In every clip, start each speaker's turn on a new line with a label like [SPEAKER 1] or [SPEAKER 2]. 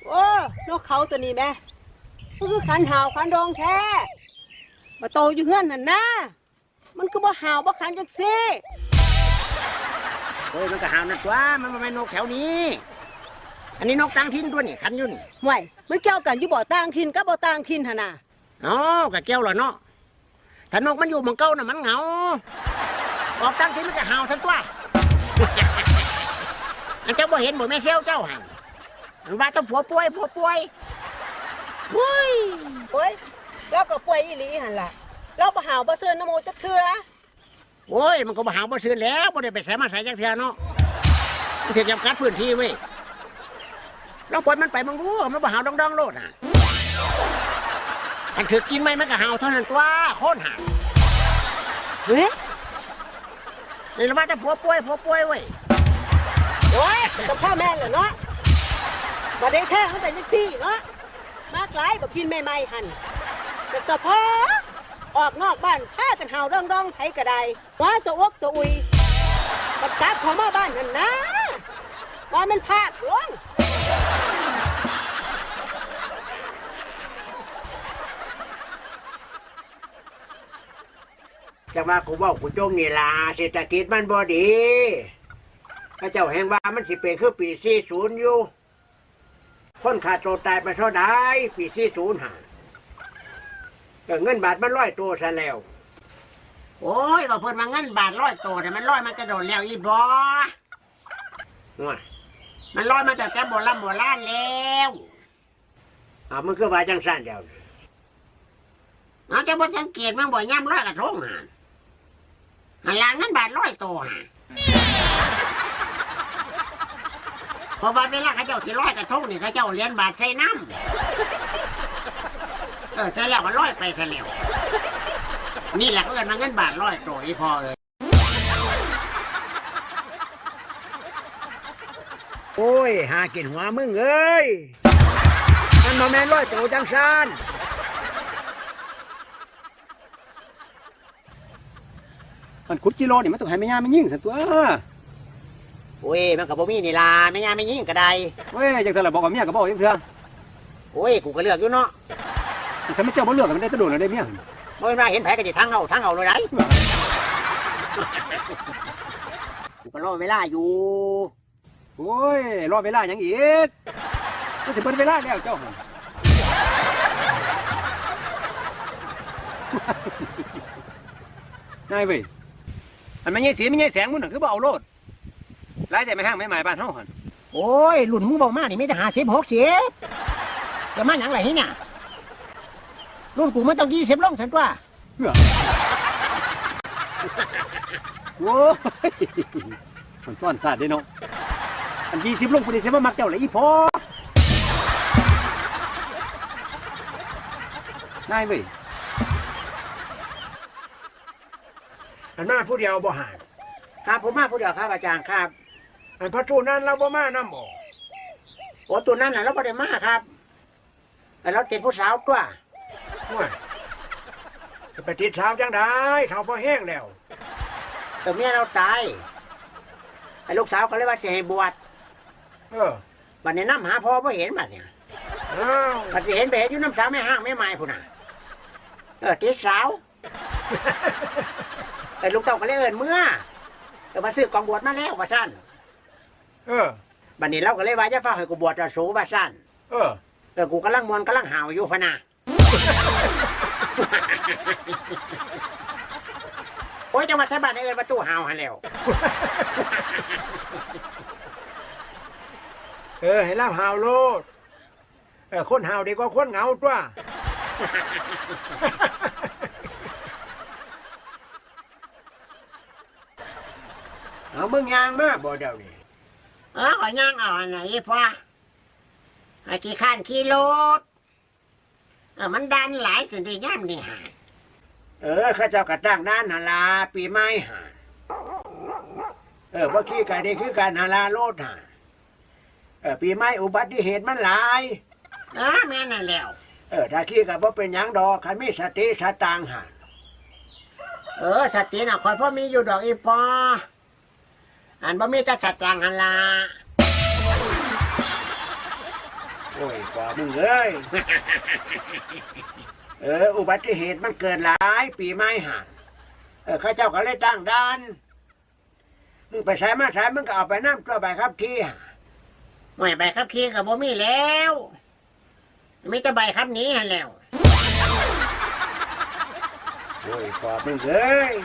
[SPEAKER 1] โอ้นกเขาตัวนี้แม่ก็คือขันหาวขันดองแท้มาโตอยู่เฮือนนั่นนะมันก็บ่หาวบ่ขันจังซี่
[SPEAKER 2] โอ้ยมันก็หาวนั่นตัวมันไม่นกแถวนี้อันนี้นกต่างถิ่นตัวนี่ขันอยู่นี่
[SPEAKER 1] ห่วยมันเกี่ยวกันอยู่บ่ต่างถิ่นกับบ่ต่างถิ่นหั่นน่ะ
[SPEAKER 2] อ๋อก็เกี่ยวเหรอเนาะถ้านกมันอยู่เมืองเก่าน่ะมันเหงาออกต่างถิ่นมันก็หาวทั้งตัวอันเจ้าบ่เห็นบ่แม่เซลเจ้าหั่นมันว่าต้องผัวป่วย
[SPEAKER 1] โอ้ยแล้วก็ป่วยอีหลีหั่นล่ะเราบ่หาวบ่เซินน้ำโมจักเทื่อ
[SPEAKER 2] โอ้ยมันก็บ่หาวบ่ซื่นแล้วบ่ได้ไปใส่มาใส่จักเทื่อเนาะมันถึงจำกัดพื้นที่เว้ยเราปล่อยมันไปมึงรู้มันบ่หาวดองๆโลดน่ะมันถือกินไหมมันก็หาวเท่านั้นตัวโคตรหาว
[SPEAKER 1] เฮ้ย
[SPEAKER 2] นี่เราว่าจะผัวป่วยเว้ย
[SPEAKER 1] โอ้ยแต่พ่อแม่เหรอเนาะบ่ได้แท้มันเป็นจังซี่เนาะมากหลายบ่กินใหม่ๆหั่นแต่เฉพาะออกนอกบ้านพากันหาวดองๆไผก็ได้ว่าจะอกจะอุยบัดกลับเข้ามาบ้านนั่นนะว่ามันภาคหลวง
[SPEAKER 2] จังว่ากูบอกกูจงนี่ล่ะเศรษฐกิจมันบ่ดีพระเจ้าแห่งว่ามันสิเป็นคือปี40อยู่คนขาดตัวตายไปเท่าใดปี40ห่าก็เงินบาทมัน100ตัวซะแล้วโอ้ยว่าเพิ่นมาเงินบาท100ตัวแต่มัน100มันจะโดนแล้วอีบ่มัน100มาแต่โบราณแล้วมันคือว่าจังซั่นเดียวจะบ่สังเกตมันบ่ย่ำ100กระทงหันหลังเงินบาท100ตัวเพราะว่าเวลาเขาเจ้าสิ100กระทงนี่เขาเจ้าเหรียญบาทใส่น้ำใส่แล้วก็100ไปซะแล้วนี่แหละเขาเอิ้นว่าเงินบาท100ตัวอีพอเอ้ยโอ้ยหากินหัวมึงเอ้ยมันบ่แม่น100ตัวจังซั่น
[SPEAKER 3] มันขุดกิโลนี่มันต้องให้แม่ย่าไม่ยิ่งสันตัว
[SPEAKER 2] โอ้ยมันก็บ่มีนี่ล่ะแม่ย่าไม่ยิงก็ได้
[SPEAKER 3] เว้ยจังซั่นล่ะบอกกับเมียก็บอกจังเทื่อ
[SPEAKER 2] โอ้ยกูก็เลือกอยู่เนาะ
[SPEAKER 3] ถ้าไม่เจ้าบ่เลือกมันได้ตะโดนแล้วได้เมีย
[SPEAKER 2] บ่ว่าเห็นไผก็สิทั้งเอาเลยได้กูก็รอเวลาอยู่
[SPEAKER 3] โอ้ยรอเวลาหยังอีกมันสิเบิดเวลาแล้วเจ้าหั่นนายเว้ยอันไม่ใช่สีไม่ใช่แสงมึงน่ะคือบ่เอาโลดหลายแต่ไม่ห้างไม่หมายบ้านเฮาหั่น
[SPEAKER 2] โอ้ยรุ่นมึงบอกมานี่มีแต่50 60จะมาหยังไรเนี่ยรุ่นกูมันต้อง20ลงฉันว่า
[SPEAKER 3] โอ้ยมันซ่อนซาดเด้เนาะอัน20ลงพุ่นนี่สิมามักเจ้าเลยอีพอนายเว้ย
[SPEAKER 2] อันมาผู้เดียวบ่หาครับผมมาผู้เดียวครับอาจารย์ครับอันพระตูนั้นเราบ่มานำบ่โอ้ตัวนั้นน่ะเราบ่ได้มาครับแต่เราติดผู้สาวตัวว่าจะไปติดสาวจังได้เขาพอแห้งแล้วแต่เมียเราตายไอ้ลูกสาวก็เลยว่าสิให้บวชบัดนี้นำหาพ่อบ่เห็นบัดเนี่ยบัดสิเห็นไปเห็นอยู่น้ำสาวแม่ห้างแม่ไม้พุ่นน่ะติดสาวไอ้ลูกเต้าก็เลยเอิ้นเมื่อมาซื้อกองบวชมาแล้วว่าซั่นบัดนี้เราก็เลยว่าจะฟ้าให้กูบวชจะสูว่าซั่นกูกำลังมวนกำลังหาวอยู่พะนะโอ้ยจังหวัดไทยบ้านเอิ้นประตูหาวหันแล้วให้เล่าหาวโลดคนหาวดีกว่าคนเหงาตัวเอามึงยางมาบ่เดี๋ยวนี้ขอย่างเอาอันไหนพ่อไอ้ขี้ข้านขี้รถมันดันหลายสิ่งที่ย่ำนี่หาข้าเจ้ากระตั้งด้านหาลาปีไม้หาว่าขี้ไก่ได้คือการหาลาโลดหาปีไม้อุบัติเหตุมันหลายแม่นั่นแล้วถ้าขี้กับว่าเป็นยังดอกขันมีสติสตางหาสติน่ะคอยพ่อมีอยู่ดอกอีพออันบ่มีแต่สตางหันลาโอ้ยกว่ามึงเอ้ย อุบัติเหตุมันเกิดหลายปีไม่ห่างข้าเจ้าก็เลยตั้งด่านมึงไปใช้มาใช้มึงก็เอาไปน้ำตัวใบขับขี่ไม่ใบขับขี่กับบ่มีแล้วมีแต่ใบขับหนี้แล้ว โอ้ยกว่ามึงเอ้ย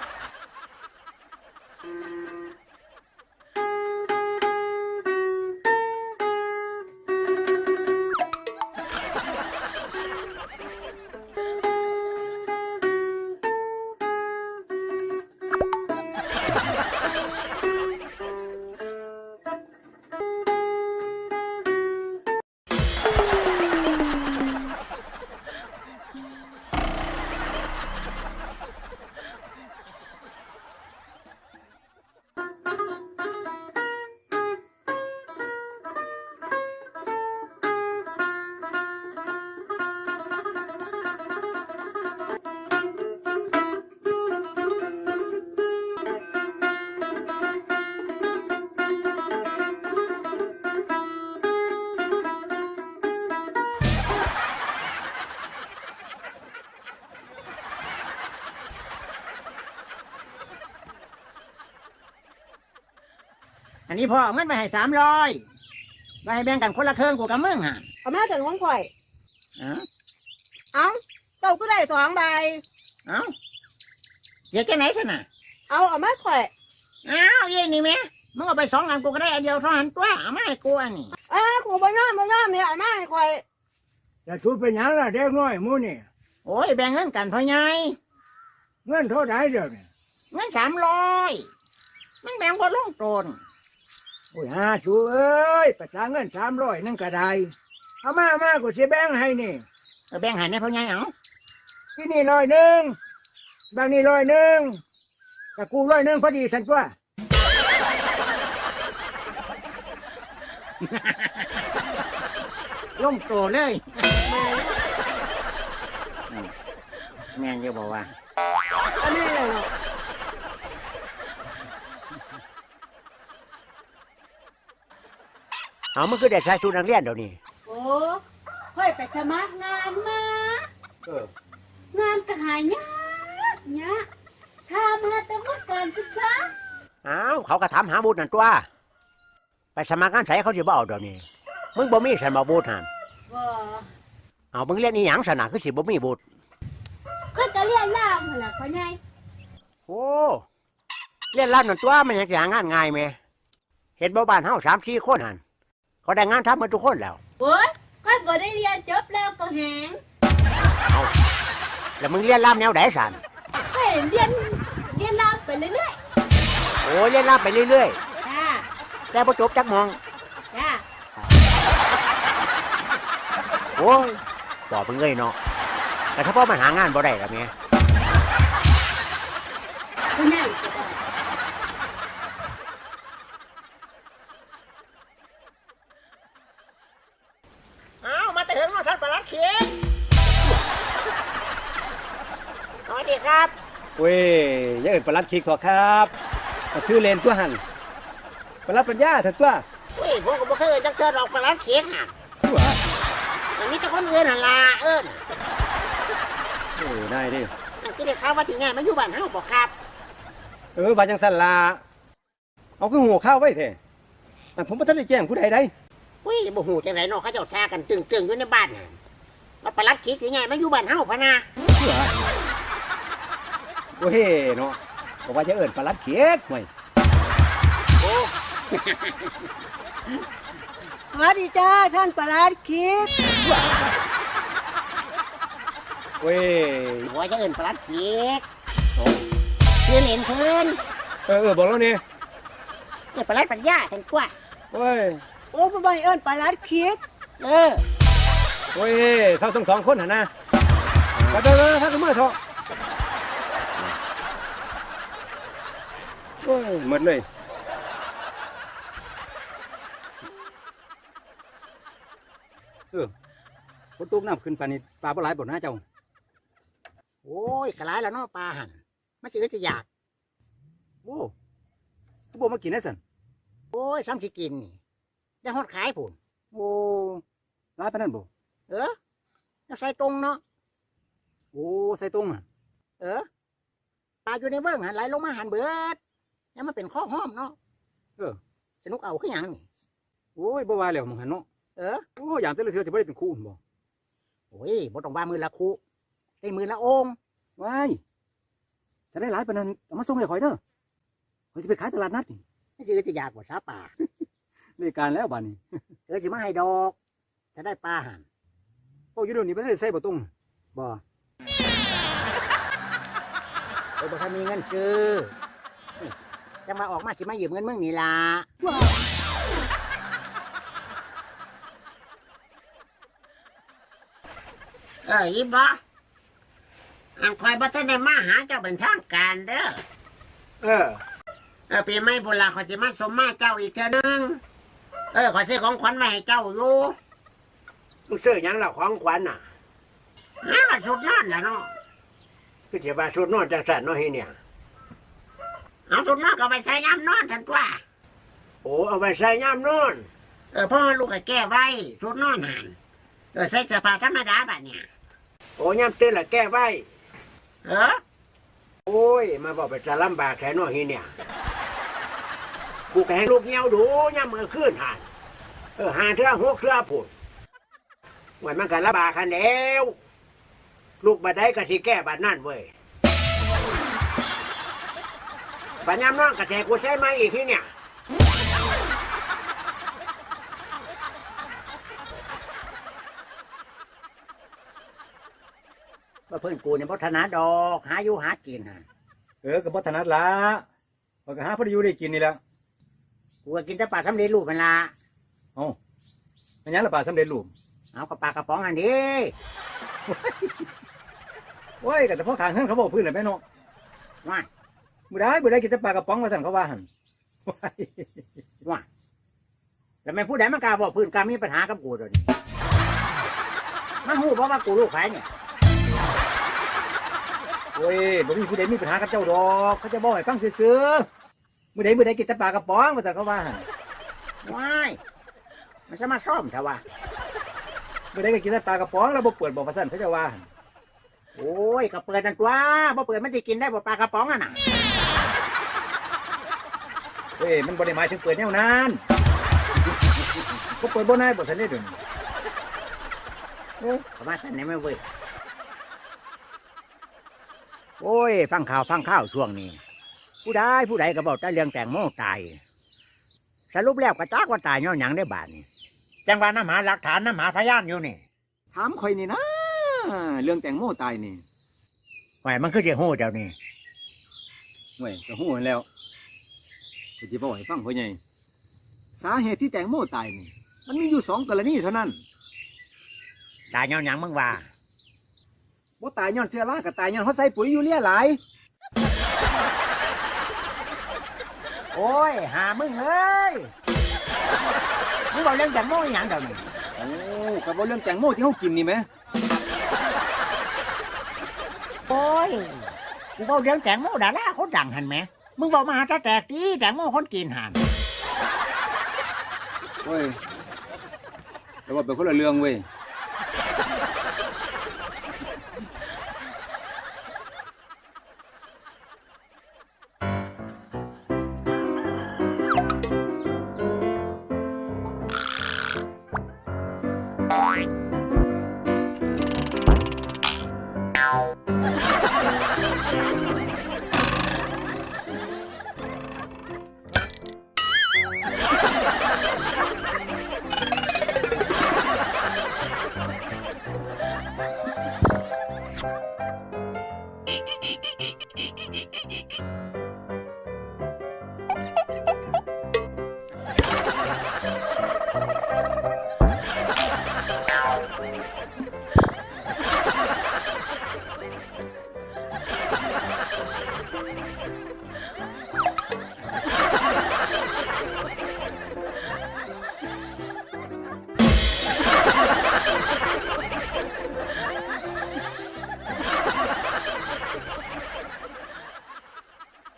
[SPEAKER 2] อันนี้พ่อเอาเงินไปให้300ไปให้แบ่งกันคนละครึ่งกูกับมึงฮะ
[SPEAKER 1] เอามาจากของข่อย
[SPEAKER 2] เอ้า
[SPEAKER 1] เอ้าเจ้าก็ได้2 ใบ
[SPEAKER 2] เอ้าเสียแค่ไหนสินะ
[SPEAKER 1] เอามาข่อย
[SPEAKER 2] เอ้าเย็นนี่แม่มึงเอาไป2 อันกูก็ได้อันเดียวเท่านั้นตัวเอามาให้กูอันนี้
[SPEAKER 1] กูบ่ยอมเนี่ยเอามาให้ข่อย
[SPEAKER 4] จะชูเป็นหยังล่ะเด็กน้อยหมูนี่
[SPEAKER 2] โอ้ยแบ่งเงินกันพ่อใหญ่
[SPEAKER 4] เงินเท่าไหร่เดี๋ยวนี้
[SPEAKER 2] เงิน300มันแบ่งบ่ลงตน
[SPEAKER 4] โอ้ยชูเอ้ยประชาเงิน300นั่นก็ได้เอามากูสิแบ่งให้นี่
[SPEAKER 2] แบ่งให้ในพ่อใหญ่เอา
[SPEAKER 4] ที่นี่100บางนี่100แต่กู100พอดีสันตัว
[SPEAKER 2] ลงโตเลย แม่นเยอะบอกว่า
[SPEAKER 1] อันนี้เลยเนาะ
[SPEAKER 2] เอามันคือได้ใช้ชุดนักเรียนเดี๋ยวนี้
[SPEAKER 5] โอ้ค่อยไปสมัครงานมา งานก็หายยากยากทำมาแต่ว่าการศึกษา
[SPEAKER 2] อ้าวเขาก็ทำหาบุตรนั่นตัว ไปสมัครงานใส่เขาสิบ่เอาเดี๋ยวนี้ มึงบ่มีสันมาบุตรหัน
[SPEAKER 5] ว่า
[SPEAKER 2] เอามึงเรียนอีหยังสนะคือสิบ่มีบุตร
[SPEAKER 5] ค่อยก็เรียนล่ามนั่นแหละพ่อใหญ่
[SPEAKER 2] โอ้เรียนรับนั่นตัวมันยังสิหางานง่ายไหมเห็นบ่บ้านเฮา3-4 คนหันเขาได้งานทำมาทุกคนแล้ว
[SPEAKER 5] โอ้ยค่อยบ่ได้เรียนจบแล้วก็แหง
[SPEAKER 2] เอาแล้วมึงเรียนรับแนวไหนสัน
[SPEAKER 5] ค่อยเรียนล่ามไปเรื่อย
[SPEAKER 2] โอ้เรียนรับไปเรื่อย
[SPEAKER 5] ๆจ้า
[SPEAKER 2] ๆแต่บ่จบจักมอง
[SPEAKER 5] จ้า
[SPEAKER 2] โอ้ยตอบมึงเงยเนาะแต่ถ้าพ่อมันหางานบ่ได้ละแม่
[SPEAKER 5] พ่อใหญ่ก็ได้
[SPEAKER 2] เอามาแต่ถึงเนาะท่านประหลัดเขียนสวัสดีครับ
[SPEAKER 3] เว้ยอย่าเอิ้นประหลัดคิกเถอะครับมาซื้อเลนตัวหันประหลัดปัญญาเถอะตัว
[SPEAKER 2] เฮ้ยผมก็บ่เคยจักเจอดอกประหลัดเขียนอ่ะ
[SPEAKER 3] ตัว
[SPEAKER 2] อันนี้แต่คนอื่นหั่นล่ะเอิ้น
[SPEAKER 3] ได้ดิ
[SPEAKER 2] นั่นคือได้ข่าวว่าที่ไงมาอยู่บ้านเฮาบ่ครับ
[SPEAKER 3] บาจังสันลาเอาคือหัวข้าวไว้เถอะอันผมบ่ทันได้แจ้งผู้ใดได้
[SPEAKER 2] เฮ้ยบ่ฮู้จังไดเนาะเขาเจ้าแชร์กันตึงๆอยู่ในบ้านน่ะว่าประหลัดเขียนที่ไงมาอยู่บ้านเฮาพะนะ
[SPEAKER 3] โอ้เฮเนาะบอกว่าจะเอิ้นประหลัดเขียดห่วย
[SPEAKER 2] โอ้
[SPEAKER 1] สวัสดีจ้าท่านประหลัดคิด
[SPEAKER 3] เว้ย
[SPEAKER 2] ว่าจะเอิ้นประหลัดเขียน
[SPEAKER 3] โอ้
[SPEAKER 2] ชื่อเล่นเพิ่น
[SPEAKER 3] บอกแล้วนี่
[SPEAKER 2] นี่ประหลัดปัญญาท่านกว่า
[SPEAKER 3] โอ้ย
[SPEAKER 1] โอ้บ่ใบเอิ้นประหลัดคิด
[SPEAKER 2] เออ
[SPEAKER 3] โอ้ยเศร้าทั้ง2 คนหั่นนะไปถ้าก็มือเถอะโอ้ยหมดเลยฝนตกน้ำขึ้นปานนี้ปลาปลาไหลบ่นะเจ้า
[SPEAKER 2] โอ้ยกระไรแล้วเนาะปลาหั่นมันสิจะอยาก
[SPEAKER 3] โอ้กูบอกมากินได้สัน
[SPEAKER 2] โอ้ยซ้ำสิกินนี่ได้ฮอดขายพุ่น
[SPEAKER 3] โอ้ร้ายปานนั้นบ่
[SPEAKER 2] จะใส่ตรงเนาะ
[SPEAKER 3] โอ้ใส่ตรงอ่ะ
[SPEAKER 2] ปลาอยู่ในเบื้องหันไหลลงมาหันเบิดยังมาเป็นข้อห้อมเนาะสนุกเอาขึ้นยังนี่
[SPEAKER 3] โอ้ยบ่ว่าแล้วมึงหันเนาะโอ้ยามแต่ละเทื่อจะบ่ได้เป็นคู่บ่
[SPEAKER 2] โอ้ยบ่ต้องว่ามือละคุได้มือละองค์
[SPEAKER 3] ว้ายถ้าได้หลายปานนั้นเอามาส่งให้ข่อยเด้อข่อยสิไปขายตลาดนัดนี่
[SPEAKER 2] นี่สิจะอยากกว่าซาป่า
[SPEAKER 3] ได้การแล้วบัดนี้
[SPEAKER 2] สิมาให้ดอกจะได้ปลาหัน
[SPEAKER 3] โอ้อยู่เดี๋ยวนี้บ่ได้ใส่บ่ตรง
[SPEAKER 2] บ่บ่ทันมีเงินซื้อจะมาออกมาสิมายืมเงินมึงนี่ล่ะอีบ่อันคอยบ่ทันได้มาหาเจ้าเป็นทางการเด้อปีใหม่โบราณขอยสิมาสมมาเจ้าอีกเทื่อนึงขอยซื้อของขวัญมาให้เจ้าอยู่มึงซื้อหยังล่ะของขวัญน่ะชุดนอนล่ะเนาะคือสิว่าชุดนอนจังซั่นเนาะเฮ็ดเนี่ยเอาชุดนอนก็ไปใส่ยามนอนซั่นตัวโอ้เอาไปใส่ยามนอนพ่อลูกก็แก้ไว้ชุดนอนหั่นใส่เสื้อผ้าธรรมดาบัดเนี่ยโอ้ยามตื่นละแก้ไว้โอ้ยมาบอกไปจะลำบากแค่น้อยเนี่ยกูแกให้ลูกเงี้ยวดูย่ำมือขึ้นหันหาเทื่อหกเทื่อผุดวันมันกันลำบากคันแล้วลูกบัดได้กะสิแก้บัดนั่นเว้ยบัดย่ำน้องกะแทกูใช้ไม้อีกที่เนี่ยเพื่อนกูเนี่ยพัฒนาดอกหาอยู่หากินฮะ
[SPEAKER 3] ก็บ่ถนัดละข้อยก็หาพอได้อยู่ได้กินนี่แหละ
[SPEAKER 2] กูก็กินแต่ปลาสำเร็จรูปมันละ
[SPEAKER 3] มันหยังละปลาสำเร็จรูป
[SPEAKER 2] เอากระปลากระป๋องอันนี้
[SPEAKER 3] โอ้ยก็แต่พอทางเฮือนเขาบอกพื้นแหละแม่เนาะ
[SPEAKER 2] ว่า
[SPEAKER 3] บ่ได้กินแต่ปลากระป๋องว่าซั่นเขาว่าหั่น
[SPEAKER 2] แล้วไม่พูดได้มันกล้าบอกพื้นกล้ามีปัญหากับกูตัวนี้มันหูเพราะว่ากูลูกใครเนี่ย
[SPEAKER 3] โอ้ยบ่มีผู้ใดมีปัญหากับเจ้าดอกเขาจะบอกให้ฟังซื่อๆมื้อใดกินแต่ปลากระป๋องว่าซั่นเขาว่าหั่น
[SPEAKER 2] ว้ายมันจะมาซ่อมเถอะวะ
[SPEAKER 3] มื้อใดก็กินแต่ปลากระป๋องแล้วบ่เปิดบ่ว่าซั่นเขาจะว่าหั่น
[SPEAKER 2] โอ้ยก็เปิดนั่นตัวบ่เปิดมันจะกินได้บ่ปลากระป๋องอ่ะน่ะ
[SPEAKER 3] เฮ้ยมันบ่ได้หมายถึงเปิดแนวนั้นบ่เปิดบ่นายบ่ซั่นเด้อเดี๋ยวนี้
[SPEAKER 2] ประมาณนั้นไม่เว้ยโอ้ยฟังข่าวช่วงนี้ผู้ใดก็บอกแต่เรื่องแตงโมตายสรุปแล้วกระจากว่าตายย้อนหยังได้บาดนี่จังว่าน้ำหาหลักฐานน้ำหาพยานอยู่นี่
[SPEAKER 3] ถามข่อยนี่นะเรื่องแตงโมตายนี่
[SPEAKER 2] ไว้มันคือจะโหเจ้านี่
[SPEAKER 3] ห่วยก็ฮู้หั่นแล้วก็สิบอกให้ฟังพ่อใหญ่สาเหตุที่แตงโมตายนี่มันมีอยู่2กรณีเท่านั้น
[SPEAKER 2] ตายย้อนหยังมึงว่า
[SPEAKER 3] บ่ตายย้อนเชื้อราก็ตายย้อนเขาใส่ปุ๋ยยูเรียหลาย
[SPEAKER 2] โอ้ยหามึงเอ้ยมึงบอกเรื่องแตงโมอหย่างเดี๋ยวนี้
[SPEAKER 3] โอ้ก็บ่เรื่องแตงโมที่เฮากินนี่แหม
[SPEAKER 2] โอ้ยกูบอกเรื่องแตงโมดาราคนดังหันไหมมึงบอกมาหาตาแตกดีแตงโมคนกินหัน
[SPEAKER 3] โอ้ยแต่ว่าเป็นคนละเรื่องเว้ย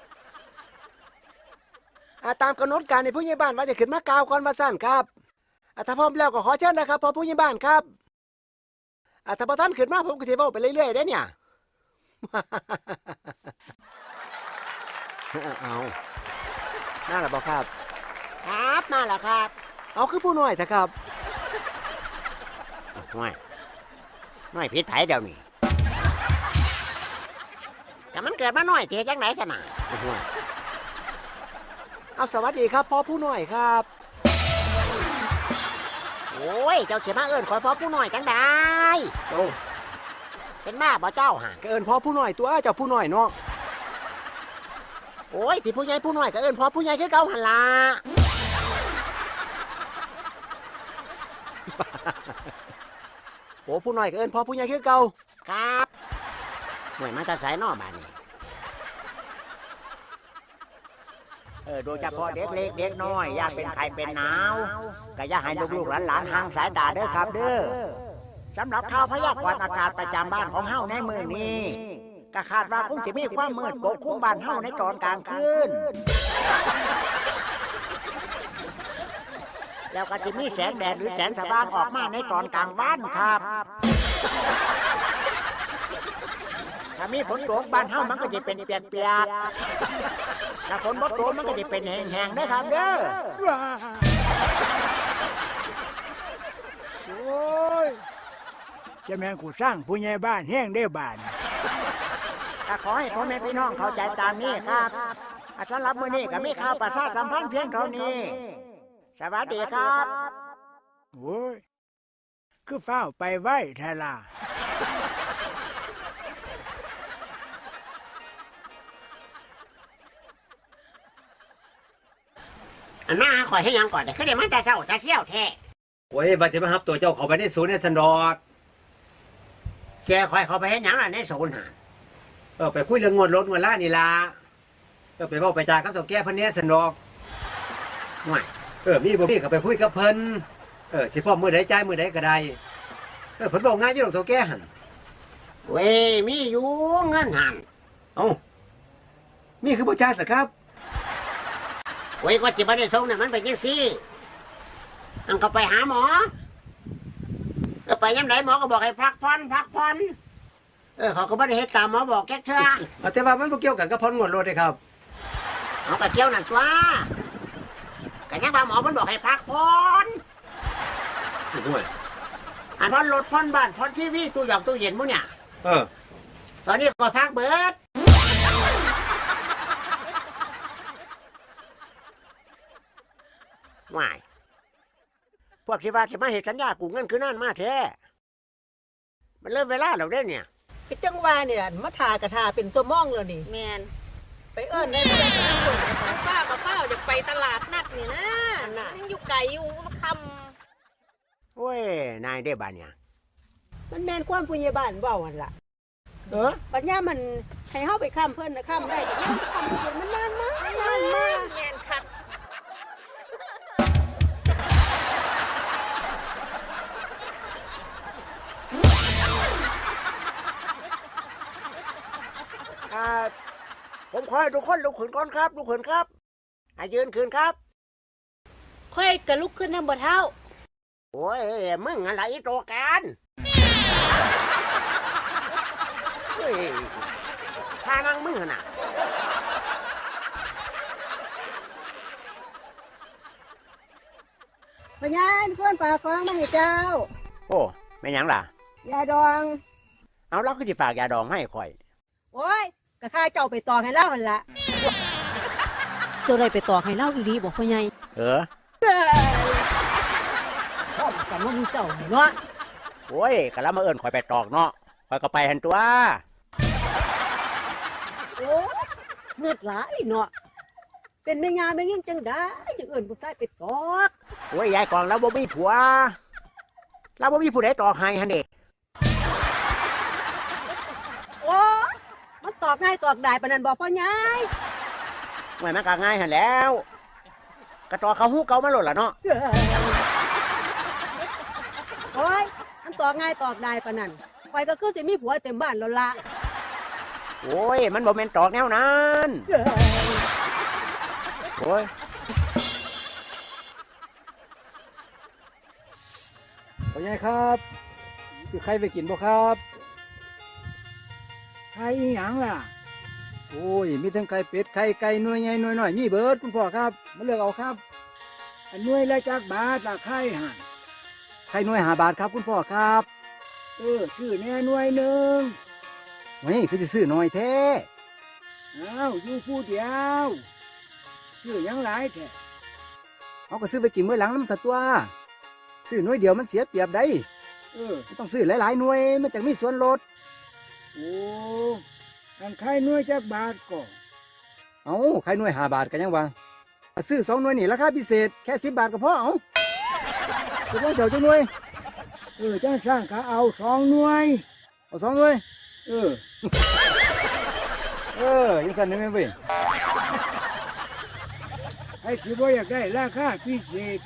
[SPEAKER 4] ตามกำหนดการในผู้ใหญ่บ้านว่าจะขึ้นมากล่าวก่อนมาสั่นครับ
[SPEAKER 3] ถ้าพร้อมแล้วก็ขอเชิญนะครับพ่อผู้ใหญ่บ้านครับถ้าพอท่านขึ้นมาผมก็สิเว้าไปเรื่อยๆได้เนี่ย เอาน่าละบ่ครับ
[SPEAKER 2] ครับมาแล้วครับ
[SPEAKER 3] เอาคือผู้น้อยเถอะครับ
[SPEAKER 2] น้อยผิดไผเดี๋ยวนี้แต่มันเกิดมาน้อยเจ๊จังไหนสนะ
[SPEAKER 3] เอาสวัสดีครับพ่อผู้น้อยครับ
[SPEAKER 2] โอ้ยเจ้าเสียมาเอิ้นขอยพ่อผู้น้อยจังได้
[SPEAKER 3] โอ้
[SPEAKER 2] เป็นบ้าบ่เจ้าห่า
[SPEAKER 3] ก็เอิ้นพ่อผู้น้อยตัวเจ้าผู้น้อยเนาะ
[SPEAKER 2] โอ้ยสิผู้ใหญ่ผู้น้อยก็เอิ้นพ่อผู้ใหญ่คือเก่าหั่นล่ะ
[SPEAKER 3] โอ้ผู้น้อยก็เอิ้นพ่อผู้ใหญ่คือเก่า
[SPEAKER 2] ครับหน่วยมาแตาสายนอกบ้านนี่โดยเฉพาะเด็กเล็กเด็กน้อยอยากเป็นไข้เป็นหนาวก็อย่าให้ลูกๆหลานๆห่างสายตาเด้อครับเด้อสำหรับข่าวพยากรณ์อากาศประจำบ้านของเฮาในมื้อนี้ก็คาดว่าคงจะมีความมืดปกคลุมบ้านเฮาในตอนกลางคืนแล้วก็จะมีแสงแดดหรือแสงสว่างออกมาในตอนกลางวันครับถ้ามีฝนตกบ้านเฮามันก็จะเป็นเปียกๆถ้าฝนบ่ตกมันก็จะเป็นแห้งๆนะครับเด้อ
[SPEAKER 4] โอ้ยจะแม่นกูสร้างผู้ใหญ่บ้านแห้งได้บ้าน
[SPEAKER 2] ก็ขอให้พ่อแม่พี่น้องเข้าใจตามนี้ครับสำหรับมื้อนี้ก็มีข่าวประชาสัมพันธ์เพียงเท่านี้ สวัสดีครับ
[SPEAKER 4] โอ้ยคือเฝ้าวไปไว้ทาลา
[SPEAKER 2] อันมาขอยให้ยังก่อนแต่คือเดี๋ยวมันจะเศร้าจะเซี่ยวแท้
[SPEAKER 3] โอ้ยบัดจะมารับตัวเจ้าเข้าไปในศูนย์ในสันดอก
[SPEAKER 2] เสียคอยเขาไปให้หยังล่ะในศูนย์หา
[SPEAKER 3] ไปคุยเรื่องงวดรถงวดล่านี่ล่ะไปเว้าไปจากับเจ้าแก่เพิ่นเนี่ยสันดอก
[SPEAKER 2] หน่วย
[SPEAKER 3] มีบ่มีก็ไปคุยกับเพิ่นสิพร้อมมื้อใดจ่ายมื้อใดก็ได้เพิ่นเว้าง่ายอยู่ดอกเจ้าแก่หั่น
[SPEAKER 2] เว้ยมีอยู่เงินหัน
[SPEAKER 3] เอ้ามีคือบ่จ่ายซะครับ
[SPEAKER 2] เว้ยก็จิบ่ได้ส่งเนี่ยมันเป็นจังซี่อันก็ไปหาหมอก็ไปยามใดหมอก็บอกให้พักผ่อนเขาก็บ่ได้เฮ็ดตามหมอบอกแค่เทื่อ
[SPEAKER 3] แต่ว่ามันบ่เกี่ยวกันกับพรงวดรถเด้ครับ
[SPEAKER 2] เอาก็เกี่ยวนั่นตัวก็ยังว่าหมอมันบอกให้พักผ่อน
[SPEAKER 3] โอ้ย
[SPEAKER 2] อันผ่อนรถผ่อนบ้านผ่อนทีวีตู้หยอกตู้เย็นมื้อเนี่ย
[SPEAKER 3] เออ
[SPEAKER 2] ตอนนี้ก็พักเบิดว่ายพวกที่ว่าจะมาเห็นสัญญากูเงินคือนั่นมาแท้มันเริ่มเวลาแล้วเด้เนี่ย
[SPEAKER 1] คือจังว่าเนี่ยมาทากระทาเป็นชั่วโมงแล้วนี่
[SPEAKER 5] แมน
[SPEAKER 1] ไปเอิ้นได้บ่ได้ทั้งคน
[SPEAKER 5] ป้ากับป้าจะไปตลาดนัดนี่นะยังอยู่ไกลอยู่ค
[SPEAKER 2] โอ้ยนายได้บ้านเนี่ย
[SPEAKER 1] มันแม่นความผู้ใหญ่บ้านเว้าหั่นล่ะปัญญามันให้เฮาไปค้ำเพิ่นนะค้ำได้แต่ยังค้ำเพิ่นมันนานมาก
[SPEAKER 5] ำ
[SPEAKER 1] นานมาก
[SPEAKER 5] แมนคัก
[SPEAKER 2] ผมขอให้ทุกคนลุกขึ้นก่อนครับลุกขึ้นครับยืนขึ้นครับ
[SPEAKER 5] ค่อยกระลุกขึ้นน้ำบ่เท้า
[SPEAKER 2] โอ้ยมึงอะไรโตกันเฮ้ยท่านั่งมึงน่ะ
[SPEAKER 1] ปัญญาเพิ่นฝากของมาให้เจ้า
[SPEAKER 2] โอ้ไม่หยังล่ะ
[SPEAKER 1] ยาดอง
[SPEAKER 2] เอาเราก็จะฝากยาดองให้ข่อย
[SPEAKER 1] โอ้ยก็ข้าเจ้าไปตอกให้เล่าหั่นล่ะเจ้าได้ไปตอกให้เล่าอีหลีบ่พ่อใหญ่ พร้อมกันว่ามีเจ้าเนาะ
[SPEAKER 2] โอ้ยกะละมาเอิญข่อยไปตอกเนาะข่อยก็ไปหันตัว
[SPEAKER 1] โอ้เงือดหลายเนาะเป็นแม่ยาแม่ยิ่งจังได้จังเอิ้นผู้ชายไปตอก
[SPEAKER 2] โอ้ยยายกองเราบ่มีผัวเราบ่มีผู้ใดตอกให้ฮันเด้
[SPEAKER 1] โอ้มันตอกง่ายตอกได้ปานนั้นบ่พ่อใหญ่
[SPEAKER 2] ไม่มันก็ง่ายหันแล้วกระตอกเขาหู้เก่ามาโลดล่ะเนาะ
[SPEAKER 1] โอ้ยมันตอกง่ายตอกได้ปานนั้นข่อยก็คือสิมีผัวเต็มบ้านแล้วล่ะ
[SPEAKER 2] โอ้ยมันบ่แม่นตอกแนวนั้นโอ้ย
[SPEAKER 4] พ่อใหญ่ครับสิใครไปกินบ่ครับใครอีหยังล่ะ
[SPEAKER 3] โอ้ยมีทั้งไข่เป็ดไข่ไก่หน่วยใหญ่หน่วยน้อยมีเบิดคุณพ่อครับมาเลือกเอาครับ
[SPEAKER 4] อันหน่วยละจักบาทละไข่หัน
[SPEAKER 3] ไข่หน่วย5 บาทครับคุณพ่อครับ
[SPEAKER 4] ชื่อแน่หน่วยหนึ่ง
[SPEAKER 3] เฮ้ยคือสิซื้อน้อยแท้
[SPEAKER 4] อ้าวอยู่ผู้เดียวชื่อหยังหลายแท้
[SPEAKER 3] เอาก็ซื้อไปกินมื้อหลังน้ำถัดตัวซื้อหน่วยเดียวมันเสียเปรียบได้ มันต้องซื้อหลายๆหน่วยมันจังมีส่วนลด
[SPEAKER 4] โอ้อันไข่หน่วยจักบาทก็
[SPEAKER 3] เอาไข่หน่วย5 บาทกันยังวะซื้อ2 หน่วยนี่ราคาพิเศษแค่10 บาทก็พอเอาจะต้องเสียวจังหน่วย
[SPEAKER 4] จ้างสร้างก็เอา2 หน่วย
[SPEAKER 3] เอา2 หน่วย
[SPEAKER 4] เออ
[SPEAKER 3] ยังสั่นได้ไหมเว้ย
[SPEAKER 4] ให้สิบ่อยากได้ราคาพิเศษ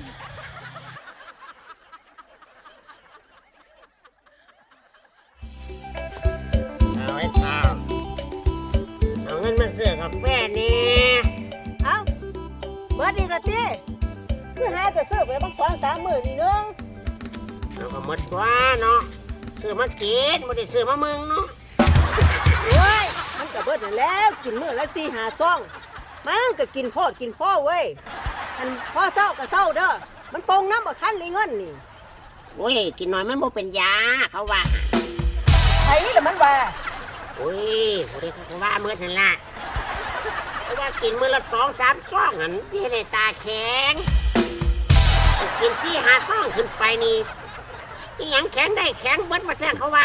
[SPEAKER 2] เอาไอ้ข้าวเอาเงินมาซื้อกาแฟนี่
[SPEAKER 1] เอาเมื่อดีกะตีคือหาก็ซื้อไปบัก2-3 มื้อนี่นึง
[SPEAKER 2] เอาก็หมดตัวเนาะซื้อมากินไม่ได้ซื้อมามึงเนาะ
[SPEAKER 1] โอ้ยมันก็เบิดนั่นแล้วกินมื้อละ4-5 ซองมันก็กินโพดกินพ่อเว้ยอันพอเศร้าก็เศร้าเด้อมันปงน้ำบ่ทันเลยเงินนี่
[SPEAKER 2] โอ้ยกินหน่อยมันบ่เป็นยาเขาว่า
[SPEAKER 1] ไอ้แต่มันว่า
[SPEAKER 2] โอ้ยบ่ได้เขาว่าเมื่อนั่นล่ะเพราะว่ากินมื้อละ2-3 ซองหันที่ในตาแข็งกิน4-5 ซองขึ้นไปนี่อีหยังแข็งได้แข็งเบิดมาแท้เขาว่า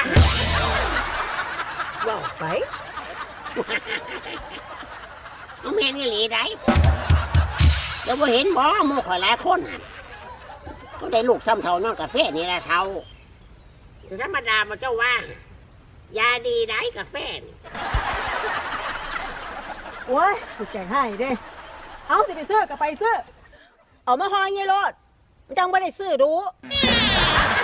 [SPEAKER 1] ว่าไป
[SPEAKER 2] เอาแม่นอีหลีได้แล้วบ่เห็นบ่หมู่ข่อยหลายคนหั่นก็ได้ลูกซ้ำเท่านอนกาแฟนี่แหละเท่าแต่ธรรมดาบ่เจ้าว่ายาดีได้กาแฟนี่
[SPEAKER 1] โอ้ยกูแจกให้เด้เอาสิไปซื้อก็ไปซื้อเอามาห่อเงี้ยรถมันจังบ่ได้ซื้อดู
[SPEAKER 2] โ